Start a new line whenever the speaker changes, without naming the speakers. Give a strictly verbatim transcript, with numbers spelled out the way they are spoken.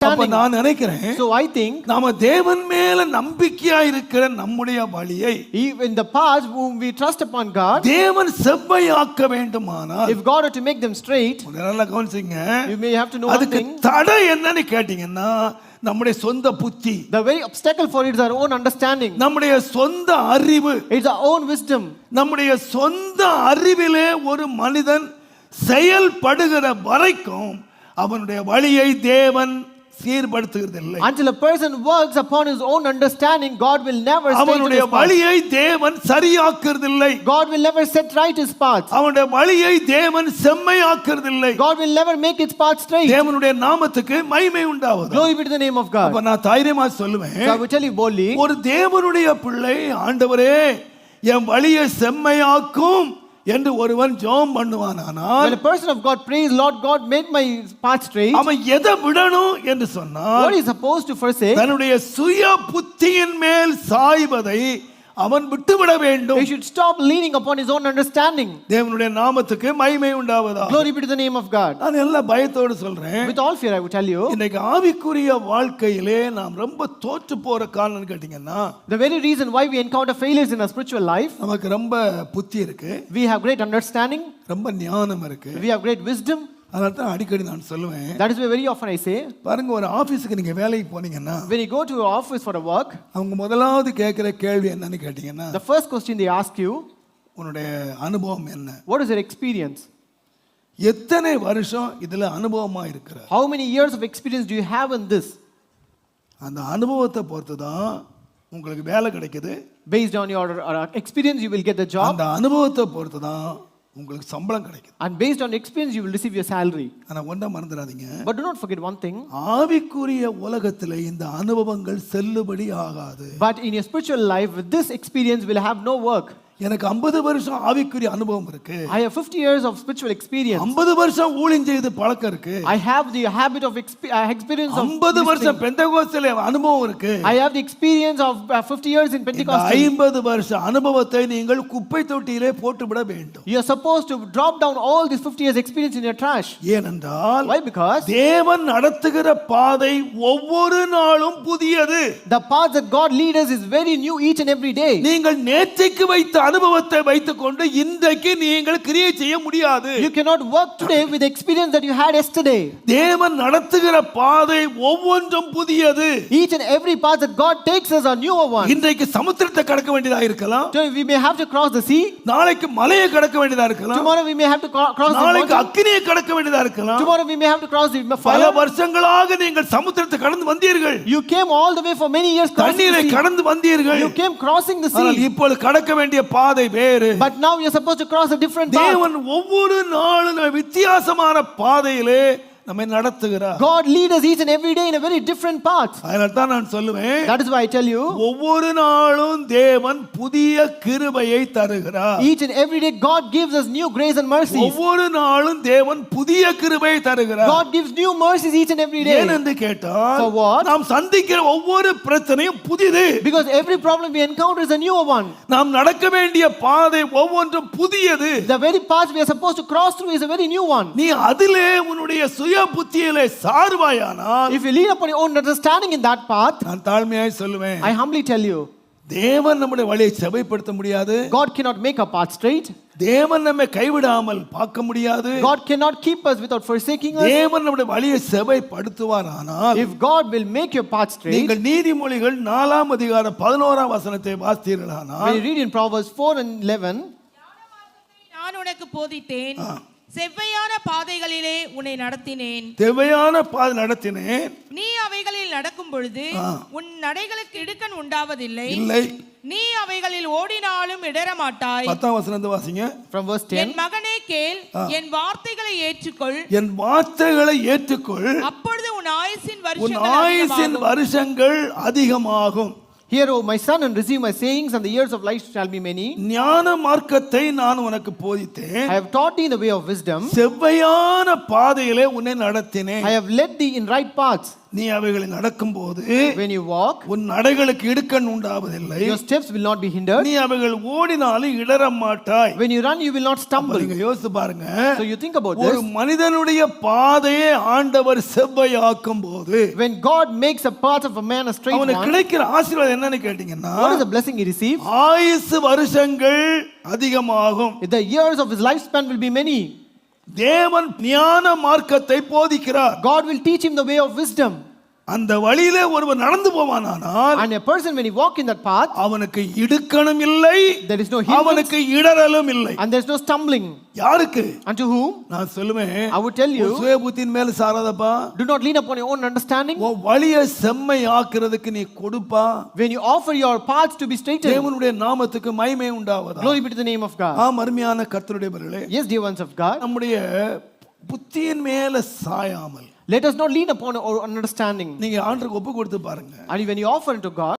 அப்ப நான் நினைக்கிறேன்,
So I think
நாம தேவன் மேல நம்பிக்கையா இருக்கிற நம்முடைய வழியை
in the past whom we trust upon God,
தேவன் செவ்வையாக்க வேண்டுமானால்,
if God were to make them straight,
நல்லா கவனிச்சுங்க,
you may have to know one
அதுக்கு
thing.
தடை என்னன்னு கேட்டீங்கன்னா நம்முடைய சொந்த புத்தி,
The very obstacle for it is our own understanding.
நம்முடைய சொந்த அறிவு,
It's our own wisdom.
நம்முடைய சொந்த அறிவிலே ஒரு மனிதன் செயல்படுகிற வரைக்கும் அவனுடைய வழியை தேவன் சீர்படுத்துகிறதில்லை.
Until a person works upon his own understanding, God will never set
அவனுடைய வழியை தேவன் சரியாக்குறதில்லை.
God will never set right his path.
அவனுடைய வழியை தேவன் செம்மையாக்குறதில்லை.
God will never make its path straight.
தேவனுடைய நாமத்துக்கு மகிமை உண்டாவதாக.
Glory be to the name of God.
அப்ப நான் தைரியமா சொல்லுவேன்,
So I will tell you boldly,
ஒரு தேவனுடைய பிள்ளை, ஆண்டவரே என் வழியை செம்மையாக்கும் என்று ஒருவன் ஜெபம் பண்ணுவானானால்,
when a person of God prays, Lord God, make my path straight,
அவன் எதை விடணும் என்று சொன்னால்,
what is supposed to forsake?
தன்னுடைய சுய புத்தியின் மேல் சாய்வதை அவன் விட்டுவிட வேண்டும்.
He should stop leaning upon his own understanding.
தேவனுடைய நாமத்துக்கு மகிமை உண்டாவதாக.
Glory be to the name of God.
நான் எல்லா பயத்தோடு சொல்றேன்,
With all fear I will tell you,
இன்னைக்கு ஆவிக்குரிய வாழ்க்கையிலே நாம் ரொம்ப தோற்று போற காரணம் கேட்டீங்கன்னா,
the very reason why we encounter failures in our spiritual life,
நமக்கு ரொம்ப புத்தி இருக்கு,
we have great understanding,
ரொம்ப ஞானம் இருக்கு,
we have great wisdom.
அதனால தான் அடிக்கடி நான் சொல்லுவேன்,
That is why very often I say,
பாருங்க, ஒரு ஆபீஸ்க்கு நீங்க வேலைக்கு போனீங்கன்னா,
when you go to your office for a work,
அவங்க முதலாவது கேட்கிற கேள்வி என்னன்னு கேட்டீங்கன்னா,
the first question they ask you,
உன்னுடைய அனுபவம் என்ன?
what is your experience?
எத்தனை வருஷம் இதுல அனுபவமா இருக்கிற?
How many years of experience do you have in this?
அந்த அனுபவத்தை பொறுத்து தான் உங்களுக்கு வேலை கிடைக்குது.
Based on your uh, experience you will get the job,
அந்த அனுபவத்தை பொறுத்து தான் உங்களுக்கு சம்பளம் கிடைக்குது.
and based on experience you will receive your salary.
ஆனா ஒண்ணா மறந்துடாதீங்க,
But do not forget one thing,
ஆவிக்குரிய உலகத்திலே இந்த அனுபவங்கள் செல்லுபடி ஆகாது.
but in your spiritual life with this experience will have no work.
எனக்கு ஐம்பது வருஷம் ஆவிக்குரிய அனுபவம் இருக்கு,
I have fifty years of spiritual experience,
ஐம்பது வருஷம் ஊழியம் செய்து பழக்கம் இருக்கு,
I have the habit of exp- uh, experience of
ஐம்பது வருஷம்
listening.
பெந்தெகோஸ்தேல அனுபவம் இருக்கு,
I have the experience of uh, fifty years in
இந்த
Pentecost.
ஐம்பது வருஷ அனுபவத்தை நீங்கள் குப்பை தொட்டியிலே போட்டுவிட வேண்டும்.
You are supposed to drop down all this fifty years experience in your trash.
ஏனென்றால்
Why? Because
தேவன் நடத்துகிற பாதை ஒவ்வொரு நாளும் புதியது.
the path that God leads us is very new each and every day.
நீங்கள் நேற்றைக்கு வைத்த அனுபவத்தை வைத்துக்கொண்டு இன்றைக்கு நீங்கள் கிரியை செய்ய முடியாது.
You cannot work today with the experience that you had yesterday.
தேவன் நடத்துகிற பாதை ஒவ்வொன்றும் புதியது.
Each and every path that God takes us are newer one.
இன்றைக்கு சமுத்திரத்தை கடக்க வேண்டியதா இருக்கலாம்,
So we may have to cross the sea.
நாளைக்கு மலையை கடக்க வேண்டியதா இருக்கலாம்,
Tomorrow we may have to cro- cross the
நாளைக்கு
mountain.
அக்கினியை கடக்க வேண்டியதா இருக்கலாம்.
Tomorrow we may have to cross the
பல
fire.
வருஷங்களாக நீங்கள் சமுத்திரத்தை கடந்து வந்தீர்கள்,
You came all the way for many years crossing
தண்ணீரை
the sea.
கடந்து வந்தீர்கள்.
You came crossing the
ஆனால்
sea.
இப்பொழுது கடக்க வேண்டிய பாதை வேறு.
But now you are supposed to cross a different path.
தேவன் ஒவ்வொரு நாளும் வித்தியாசமான பாதையிலே நம்மை நடத்துகிறார்.
God leads us each and every day in a very different path.
அதனால தான் நான் சொல்லுவேன்,
That is why I tell you,
ஒவ்வொரு நாளும் தேவன் புதிய கிருபையை தருகிறார்.
each and every day God gives us new grace and mercies.
ஒவ்வொரு நாளும் தேவன் புதிய கிருபையை தருகிறார்.
God gives new mercies each and every day.
ஏன் என்று கேட்டால்,
For what?
நாம் சந்திக்கிற ஒவ்வொரு பிரச்சனையும் புதியது.
Because every problem we encounter is a newer one.
நாம் நடக்க வேண்டிய பாதை ஒவ்வொன்றும் புதியது.
The very path we are supposed to cross through is a very new one.
நீ அதிலே உன்னுடைய சுய புத்தியிலே சார்வாயானால்,
If you lean upon your own understanding in that path,
நான் தாழ்மையாய் சொல்லுவேன்,
I humbly tell you,
தேவன் நம்முடைய வழியை செவைப்படுத்த முடியாது.
God cannot make a path straight.
தேவன் நம்மை கைவிடாமல் பார்க்க முடியாது.
God cannot keep us without forsaking us.
தேவன் நம்முடைய வழியை செவைப்படுத்துவாரானால்,
If God will make your path straight,
நீங்கள் நீதிமொழிகள் நாலாம் அதிகாரம் பதினோராம் வசனத்தை வாசித்தீர்களானால்,
when you read in Proverbs four and eleven,
நான் உனக்கு போதித்தேன், செவ்வையான பாதைகளிலே உன்னை நடத்தினேன்,
தேவையான பாதை நடத்தினேன்,
நீ அவைகளில் நடக்கும் பொழுது உன் நடைகளுக்கு இடுக்கண் உண்டாவதில்லை,
இல்லை.
நீ அவைகளில் ஓடினாலும் இடற மாட்டாய்.
பத்தாம் வசனத்தை வாசிங்க.
from verse ten,
என் மகனே கேள், என் வார்த்தைகளை ஏற்றுக்கொள்,
என் வார்த்தைகளை ஏற்றுக்கொள்,
அப்பொழுது உன் ஆயுசின்
உன்
வருஷங்கள்
ஆயுசின்
அதிகமாகும்.
வருஷங்கள் அதிகமாகும்.
Hear, O my son, and receive my sayings, and the years of life shall be many.
ஞான மார்க்கத்தை நான் உனக்கு போதித்தேன்,
I have taught thee in the way of wisdom.
செவ்வையான பாதையிலே உன்னை நடத்தினேன்.
I have led thee in right paths.
நீ அவைகளை நடக்கும்போது
when you walk,
உன் நடைகளுக்கு இடுக்கண் உண்டாவதில்லை.
your steps will not be hindered.
நீ அவைகள் ஓடினாலும் இடற மாட்டாய்.
When you run, you will not stumble.
நீங்க யோசித்து பாருங்க.
So you think about
ஒரு
this.
மனிதனுடைய பாதையை ஆண்டவர் செவ்வையாக்கும் போது
When God makes a path of a man a straight
அவனுக்கு
one,
கிடைக்கிற ஆசீர்வாதம் என்னன்னு கேட்டீங்கன்னா
what is the blessing he receives?
ஆயுசு வருஷங்கள் அதிகமாகும்.
The years of his lifespan will be many.
தேவன் ஞான மார்க்கத்தை போதிக்கிறார்.
God will teach him the way of wisdom.
அந்த வழியிலே ஒருவர் நடந்து போவானானால்
And a person, when he walk in that path,
அவனுக்கு இடுக்கணும் இல்லை,
there is no hindrance,
அவனுக்கு இடறலும் இல்லை.
and there is no stumbling.
யாருக்கு?
Unto whom?
நான் சொல்லுவேன்,
I would tell you,
உன் சுய புத்தியின் மேல சாராதப்பா.
do not lean upon your own understanding.
உன் வழியை செம்மை ஆக்குறதுக்கு நீ கொடுப்பா.
When you offer your paths to be straightened,
தேவனுடைய நாமத்துக்கு மகிமை உண்டாவதா.
glory be to the name of God.
ஆம், அருமையான கர்த்தருடைய பிள்ளைகளே,
Yes, dear ones of God,
நம்முடைய புத்தியின் மேல சாயாமல்
let us not lean upon our understanding.
நீங்க ஆண்டவருக்கு ஒப்பு கொடுத்து பாருங்க.
And when you offer unto God,